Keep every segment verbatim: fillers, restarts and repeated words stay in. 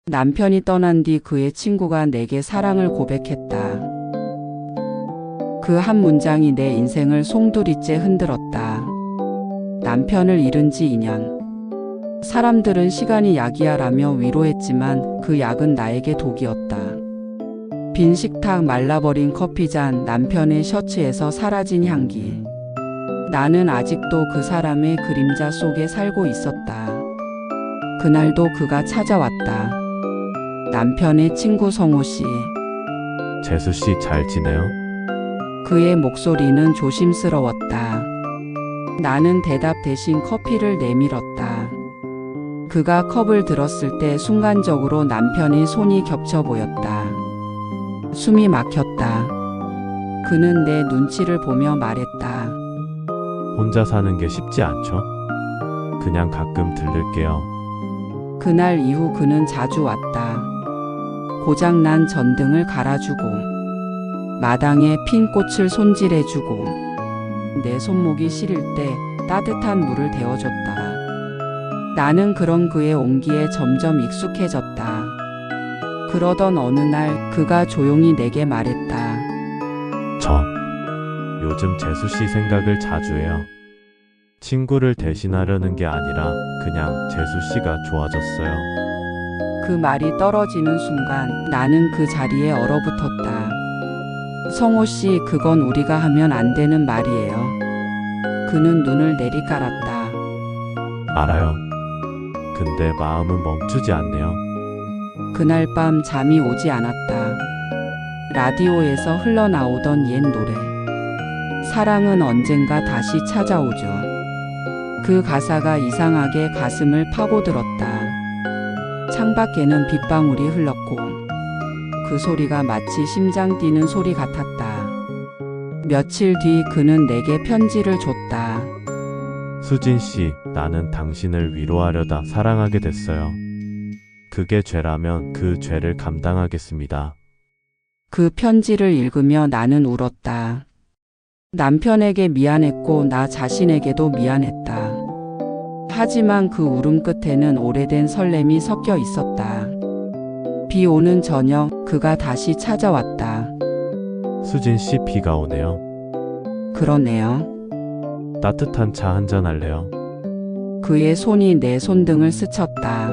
남편이 떠난 뒤 그의 친구가 내게 사랑을 고백했다. 그 한 문장이 내 인생을 송두리째 흔들었다. 남편을 잃은 지 이 년. 사람들은 시간이 약이야라며 위로했지만 그 약은 나에게 독이었다. 빈 식탁, 말라버린 커피잔, 남편의 셔츠에서 사라진 향기. 나는 아직도 그 사람의 그림자 속에 살고 있었다. 그날도 그가 찾아왔다. 남편의 친구 성호 씨. 재수 씨 잘 지내요? 그의 목소리는 조심스러웠다. 나는 대답 대신 커피를 내밀었다. 그가 컵을 들었을 때 순간적으로 남편의 손이 겹쳐 보였다. 숨이 막혔다. 그는 내 눈치를 보며 말했다. 혼자 사는 게 쉽지 않죠? 그냥 가끔 들를게요. 그날 이후 그는 자주 왔다. 고장난 전등을 갈아주고 마당에 핀 꽃을 손질해주고 내 손목이 시릴 때 따뜻한 물을 데워줬다. 나는 그런 그의 온기에 점점 익숙해졌다. 그러던 어느 날 그가 조용히 내게 말했다. 저 요즘 재수 씨 생각을 자주 해요. 친구를 대신하려는 게 아니라 그냥 재수 씨가 좋아졌어요. 그 말이 떨어지는 순간 나는 그 자리에 얼어붙었다. 성호 씨, 그건 우리가 하면 안 되는 말이에요. 그는 눈을 내리깔았다. 알아요. 근데 마음은 멈추지 않네요. 그날 밤 잠이 오지 않았다. 라디오에서 흘러나오던 옛 노래. 사랑은 언젠가 다시 찾아오죠. 그 가사가 이상하게 가슴을 파고들었다. 창밖에는 빗방울이 흘렀고 그 소리가 마치 심장 뛰는 소리 같았다. 며칠 뒤 그는 내게 편지를 줬다. 수진 씨, 나는 당신을 위로하려다 사랑하게 됐어요. 그게 죄라면 그 죄를 감당하겠습니다. 그 편지를 읽으며 나는 울었다. 남편에게 미안했고 나 자신에게도 미안했다. 하지만 그 울음 끝에는 오래된 설렘이 섞여 있었다. 비 오는 저녁 그가 다시 찾아왔다. 수진 씨, 비가 오네요. 그러네요. 따뜻한 차 한잔 할래요? 그의 손이 내 손등을 스쳤다.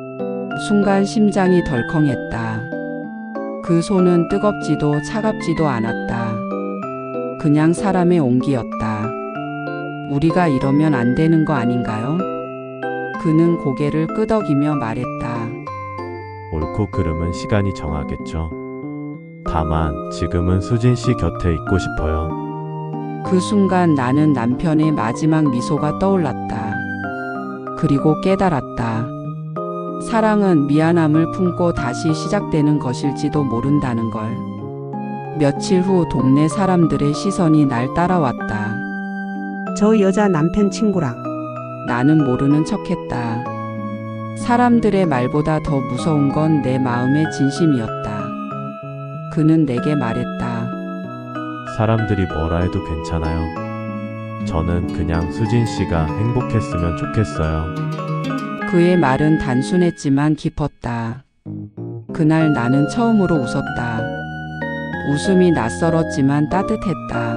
순간 심장이 덜컹했다. 그 손은 뜨겁지도 차갑지도 않았다. 그냥 사람의 온기였다. 우리가 이러면 안 되는 거 아닌가요? 그는 고개를 끄덕이며 말했다. 옳고 그름은 시간이 정하겠죠. 다만 지금은 수진 씨 곁에 있고 싶어요. 그 순간 나는 남편의 마지막 미소가 떠올랐다. 그리고 깨달았다. 사랑은 미안함을 품고 다시 시작되는 것일지도 모른다는 걸. 며칠 후 동네 사람들의 시선이 날 따라왔다. 저 여자 남편 친구랑. 나는 모르는 척했다. 사람들의 말보다 더 무서운 건 내 마음의 진심이었다. 그는 내게 말했다. 사람들이 뭐라 해도 괜찮아요. 저는 그냥 수진 씨가 행복했으면 좋겠어요. 그의 말은 단순했지만 깊었다. 그날 나는 처음으로 웃었다. 웃음이 낯설었지만 따뜻했다.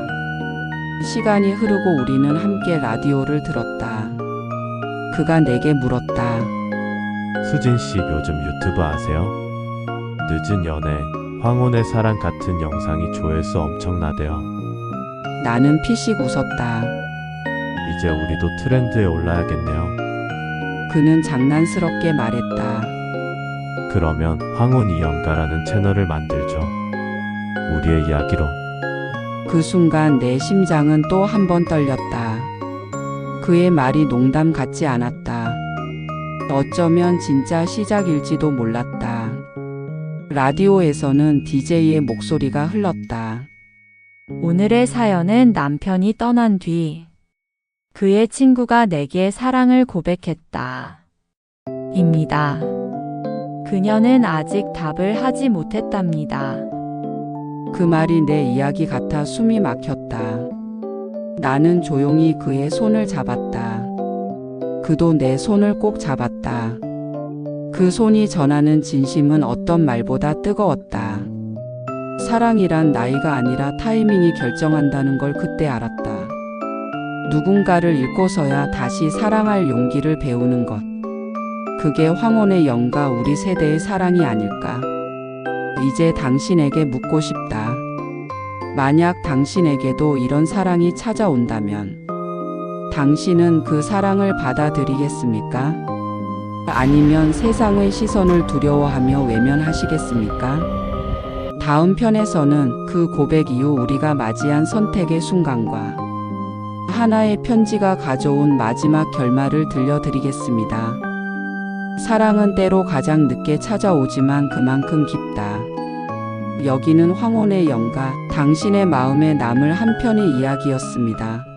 시간이 흐르고 우리는 함께 라디오를 들었다. 그가 내게 물었다. 수진 씨 요즘 유튜브 아세요? 늦은 연애, 황혼의 사랑 같은 영상이 조회수 엄청나대요. 나는 피식 웃었다. 이제 우리도 트렌드에 올라야겠네요. 그는 장난스럽게 말했다. 그러면 황혼이 연가라는 채널을 만들죠. 우리의 이야기로. 그 순간 내 심장은 또 한 번 떨렸다. 그의 말이 농담 같지 않았다. 어쩌면 진짜 시작일지도 몰랐다. 라디오에서는 디제이의 목소리가 흘렀다. 오늘의 사연은 남편이 떠난 뒤 그의 친구가 내게 사랑을 고백했다. 입니다. 그녀는 아직 답을 하지 못했답니다. 그 말이 내 이야기 같아 숨이 막혔다. 나는 조용히 그의 손을 잡았다. 그도 내 손을 꼭 잡았다. 그 손이 전하는 진심은 어떤 말보다 뜨거웠다. 사랑이란 나이가 아니라 타이밍이 결정한다는 걸 그때 알았다. 누군가를 잃고서야 다시 사랑할 용기를 배우는 것. 그게 황혼의 영과 우리 세대의 사랑이 아닐까. 이제 당신에게 묻고 싶다. 만약 당신에게도 이런 사랑이 찾아온다면 당신은 그 사랑을 받아들이겠습니까? 아니면 세상의 시선을 두려워하며 외면하시겠습니까? 다음 편에서는 그 고백 이후 우리가 맞이한 선택의 순간과 하나의 편지가 가져온 마지막 결말을 들려드리겠습니다. 사랑은 때로 가장 늦게 찾아오지만 그만큼 깊다. 여기는 황혼의 영가, 당신의 마음에 남을 한 편의 이야기였습니다.